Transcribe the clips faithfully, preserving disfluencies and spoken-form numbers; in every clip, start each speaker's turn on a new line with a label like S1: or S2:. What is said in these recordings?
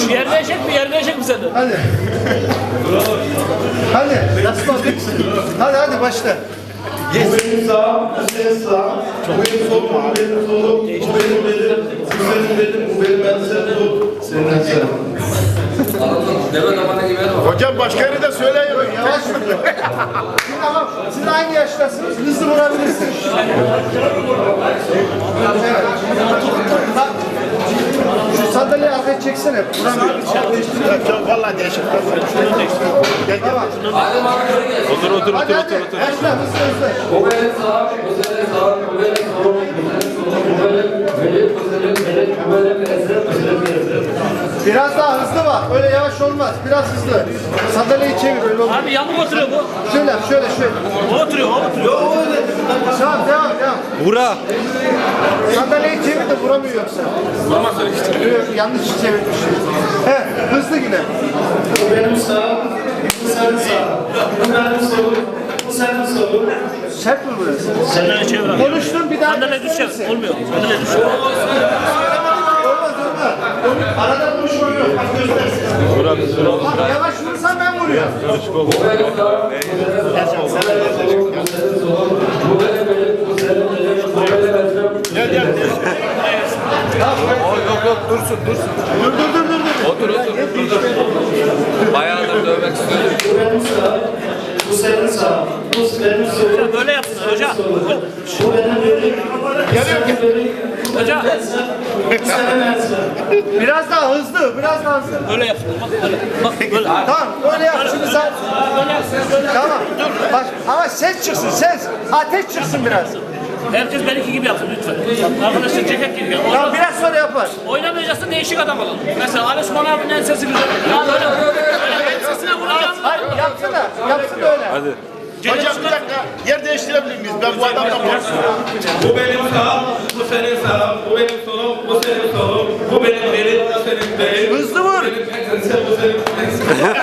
S1: Yerleyecek mi? Yerleyecek mi seni?
S2: Hadi. Hadi. Nasıl bakın? Hadi hadi başla.
S3: Bu benim sağım, bu senin sağım. Bu benim solum, bu benim solum. Bu benim belim, bu senin belin, bu benim ensem, bu senin ensem.
S4: Deve damana gibi var.
S5: Hocam başka yeri de söyleyemiyorum.
S2: Yavaş mı? Siz tamam. Siz aynı yaştasınız. Hızlı vurabilirsiniz. Evet. Bak. Şu sandalyeyi arkaya çeksene. Vuramıyorum.
S5: Çok vallahi değişik.
S2: Tamam.
S5: Otur otur
S2: Hadi
S5: otur
S2: hadi.
S5: otur otur.
S2: Başla hızlı hızlı.
S4: Bu benim sağım, bu senin sağım, bu benim solum, bu benim solum, bu benim belim, bu senin belin, bu benim ensem, bu senin ensem.
S2: Biraz daha hızlı bak. Öyle yavaş olmaz. Biraz hızlı. Sandalyeyi çevir öyle olmaz.
S1: Abi yamuk oturuyor bu.
S2: Şöyle yap, şöyle şöyle.
S1: O oturuyor, o oturuyor.
S2: Tamam devam devam.
S5: Vura.
S2: Sandalyeyi çevir de vuramıyor yoksa.
S5: Vuramaz öyle işte.
S2: Yok, yanlış çevirmişim. He, hızlı yine.
S3: Bu benim sağım, bu senin sağım. Bu benim solum, bu senin solum.
S2: Sert mi burası?
S1: Sen öyle çevir abi.
S2: Konuştun bir daha.
S1: Sandalye düşer. Olmuyor. Sandalye düşer.
S2: Olmaz olmaz. Arada konuşma yok. Bak göstersin.
S5: Vura vura.
S2: Bak yavaş vursan ben vuruyorum.
S4: Bu benim sağım, bu senin sağım, bu benim solum, bu senin solum, bu benim belim, bu senin belin, bu benim ensem.
S5: Gel gel. Yok yok dursun dursun.
S2: Dur dur dur dur. dur.
S4: Otur otur otur. Bayağıdır dövmek istiyorum.
S3: Bu benim sağım, bu senin sağım. Bu benim solum.
S1: Böyle yapsın hoca.
S3: Bu benim belim, bu senin belin, bu
S1: Hoca.
S3: benim ensem, bu senin ensem.
S2: Biraz daha hızlı, biraz daha hızlı.
S1: Böyle yapsın. Bak böyle. Bak böyle.
S2: Tamam, öyle yap. Şimdi sen... Tamam. Bak, ama ses çıksın, ses. Ateş çıksın biraz.
S1: Herkes benimki gibi yapsın lütfen. Arkadaşlar ceket gibi.
S2: Tamam, biraz sonra yapar.
S1: Oynamayacaksın değişik adam alalım. Mesela Ali Osman abinin en sesi güzel. Ya böyle. Böyle sesine vuracağım.
S2: Hayır, yapsın da, yapsın da öyle.
S5: Hadi. Hocam bir dakika yer değiştirebilir miyiz? Ben bu adamla konuşuyorum.
S6: Bu benim sağım, bu senin sağım, bu benim solum, bu senin solum, bu benim belim, bu senin belin.
S2: Hızlı vur.
S6: Benim ensem, bu senin ensem.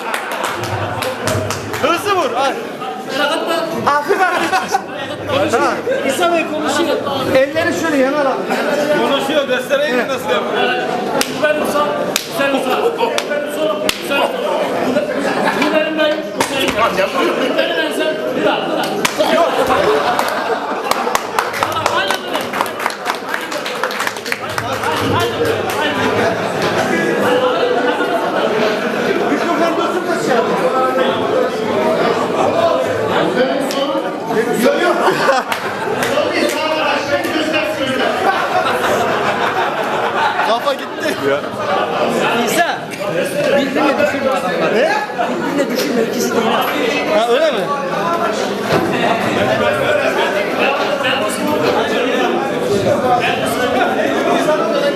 S2: Hızlı vur. Ay. Hafif hafif. Tamam.
S1: İsa Bey konuşuyor.
S2: Elleri şöyle yana al.
S6: Konuşuyor, göstereyim mi nasıl yapıyor?
S1: Bu benim sağ, bu senin sağ. Bu benim solum, bu senin solum. Bu be- Bu benim belim, bu senin belim. Bu benim ensem, bir daha, bir daha. Yok. Tamam, aynen öyle.
S2: Mikrofon dursun da şey yapın. Yok yok.
S5: Kafa gitti.
S7: İsa, birbirine düşürme adamlar.
S2: Ne?
S7: Birbirine düşürme, ikisi de yine.
S2: Ha öyle mi?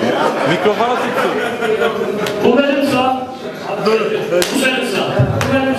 S5: Mikrofona tuttu.
S1: Bu benim sağ. Dur. Bu senin sağ. Bu benim